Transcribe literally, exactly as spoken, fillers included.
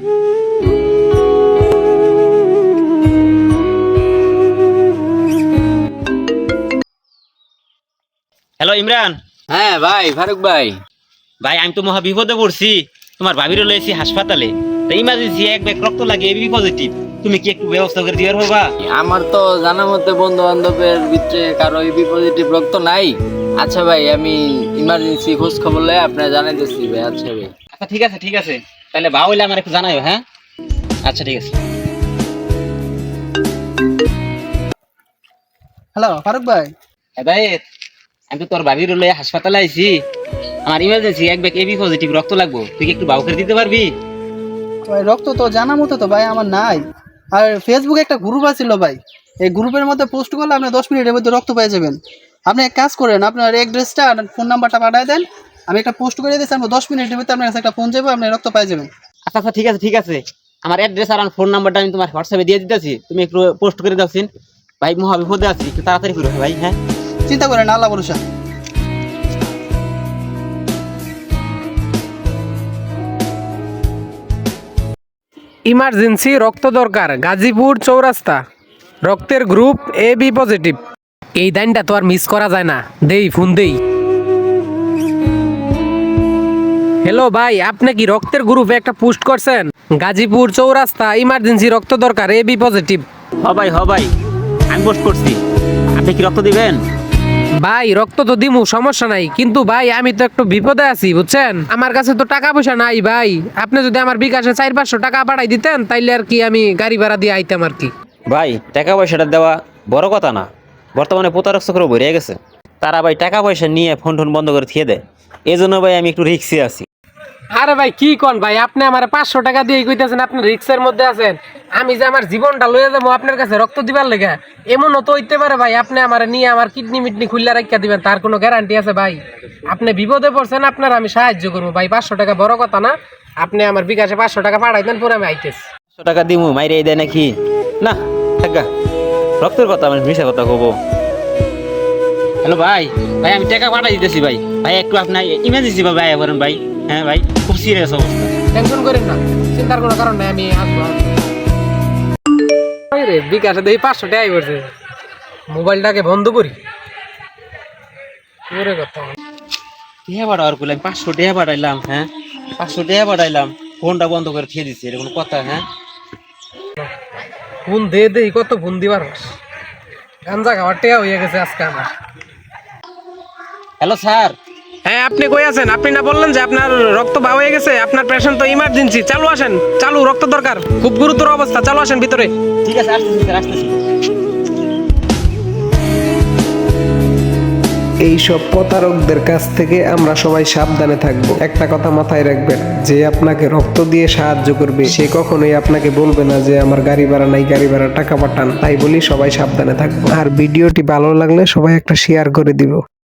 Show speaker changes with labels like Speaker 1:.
Speaker 1: Hello Imran.
Speaker 2: হ্যাঁ ভাই ফারুক ভাই।
Speaker 1: ভাই আমি তো মহা বিপদে পড়ছি, তোমার ভাবিরও লয়েছি হাসপাতালে, তো ইমার্জেন্সি এক ব্যাগ রক্ত লাগে, এবি পজিটিভ। তুমি কি একটু ব্যবস্থা করে দিবার হবা?
Speaker 2: আমার তো জানা মতে বন্ধু বান্ধবের ভিতরে কারো এবি পজিটিভ রক্ত নাই। আচ্ছা ভাই, আমি ইমার্জেন্সি খোঁজ খবর লয়ে আপনার জানাইতেছি ভাই। আচ্ছা ভাই।
Speaker 1: আচ্ছা ঠিক আছে ঠিক আছে, তাহলে ভাও হইলে আমার একটু জানাইও। হ্যাঁ আচ্ছা ঠিক আছে।
Speaker 3: হ্যালো ফারুক ভাই।
Speaker 1: হেদায়েত, আমি তো তোর ভাবির লয়ে হাসপাতালে আইছি, আমার ইমার্জেন্সি এক ব্যাগ এবি পজিটিভ রক্ত লাগবো, তুই কি একটু ভাও করে দিতে পারবি?
Speaker 3: ভাই রক্ত তো জানা মতো তো ভাই আমার নাই। আর ফেসবুকে একটা গ্রুপ আছিল ভাই, এই গ্রুপের মধ্যে পোস্ট করলে আপনি দশ মিনিটের মধ্যে রক্ত পেয়ে যাবেন। আপনি এক কাজ করেন, আপনার অ্যাড্রেসটা আর ফোন নাম্বারটা পাঠিয়ে দেন, আমি একটা পোস্ট করে দিয়েছি, আমরা দশ মিনিটের মধ্যে আপনার কাছে একটা ফোন যাবো, আপনি রক্ত পেয়ে যাবেন।
Speaker 1: আচ্ছা আচ্ছা ঠিক আছে ঠিক আছে, আমার অ্যাড্রেস আর ফোন নাম্বারটা আমি তোমার হোয়াটসঅ্যাপে দিয়ে দিতেছি, তুমি একটু পোস্ট করে দাওছিন। ভাই মহা বিপদে আছি, একটু তাড়াতাড়ি করো ভাই। হ্যাঁ
Speaker 3: চিন্তা করেন না, আল্লাহ ভরসা।
Speaker 4: ইমার্জেন্সি রক্ত দরকার, গাজীপুর চৌরাস্তা, রক্তের গ্রুপ এ বি পজিটিভ। এই দাইনটা তো আর মিস করা যায় না, দেই ফোন দেই। হ্যালো ভাই, আপনি কি রক্তের গ্রুপে একটা পোস্ট করছেন? গাজীপুর চৌরাস্তা, ইমার্জেন্সি রক্ত দরকার, এ বি পজিটিভ।
Speaker 1: হ ভাই হ ভাই, আমি পোস্ট করছি, আপনি কি রক্ত দিবেন?
Speaker 4: ভাই রক্ত তো দিমু, সমস্যা নাই, কিন্তু ভাই আমি তো একটু বিপদে আছি বুঝছেন, আমার কাছে তো টাকা পয়সা নাই ভাই। আপনি যদি আমার বিকাশে চার পাঁচশো টাকা পাঠাই দিতেন, তাইলে আর কি আমি গাড়ি ভাড়া দিয়ে আইতাম আর কি।
Speaker 1: ভাই টাকা পয়সাটা দেওয়া বড় কথা না, বর্তমানে প্রতারক চক্র ভরে গেছে, তারা ভাই টাকা পয়সা নিয়ে ফোন টোন বন্ধ করে থিয়ে দেয়, এই জন্য ভাই আমি একটু রিক্সে আছি।
Speaker 4: আরে ভাই কি কোন ভাই, আপনি আমার পাঁচশো টাকা দিয়ে কইতেছেন আপনি রিক্সের মধ্যে আছেন, আমি যে আমার জীবনটা লয়ে যাবো আপনার কাছে রক্ত দিবার লেগে, এমনও তো হইতে পারে ভাই আপনি আমার নিয়ে আমার কিডনি মিডনি খুললে রাখিয়া দিবেন, তার কোনো গ্যারান্টি আছে ভাই? আপনি বিপদে পড়ছেন, আপনার আমি সাহায্য করবো ভাই, পাঁচশো টাকা বড় কথা না, আপনি আমার বিকাশে পাঁচশো টাকা পাঠাই দেন, পরে আমি আইতেছি।
Speaker 1: পাঁচশো টাকা দিমু মাইরে দেয় নাকি? না থাকা, রক্তের কথা আমি মিশা কথা কব। হ্যালো ভাই, ভাই আমি টাকা পাঠাই দিতেছি ভাই, ভাই একটু আপনার ইমার্জেন্সি ভাবে আয়া করেন ভাই। হ্যাঁ ভাই খুব সিরিয়াস অবস্থা।
Speaker 4: টেনশন করেন না, চিন্তার কোনো কারণ নাই, আমি আসবো। ওই রে বিকাশে দেখি পাঁচশো টাকাই করছে, মোবাইলটাকে বন্ধ করি। ওরে কথা
Speaker 1: টেহা পাঠাওয়ার করলাম, পাঁচশো টেহা পাঠাইলাম। হ্যাঁ পাঁচশো টেহা পাঠাইলাম, ফোনটা বন্ধ করে খেয়ে দিচ্ছি, এরকম কথা? হ্যাঁ
Speaker 4: ফোন দে দে, কত ফোন দিবার গাঞ্জা খাওয়ার টেয়া হয়ে গেছে আজকে আমার।
Speaker 1: Hello sir.
Speaker 4: হ্যাঁ আপনি কই আছেন? আপনি না বললেন যে আপনার রক্ত বা হয়ে গেছে, আপনার পেশেন্ট তো ইমার্জেন্সি, চালু আসেন, চালু রক্ত দরকার, খুব গুরুতর অবস্থা, চালু আসেন ভিতরে।
Speaker 1: ঠিক আছে আসতেছি স্যার, আসতেছি।
Speaker 5: এইসব প্রতারকদের কাছ থেকে আমরা সবাই সাবধানে থাকব। একটা কথা মাথায় রাখবেন, যে আপনাকে রক্ত দিয়ে সাহায্য করবে সে কখনোই আপনাকে বলবে না যে আমার গাড়ি ভাড়া নাই, গাড়ি ভাড়া টাকা পাঠান। তাই বলি সবাই সাবধানে থাকবো। আর ভিডিওটি ভালো লাগলে সবাই একটা শেয়ার করে দিব।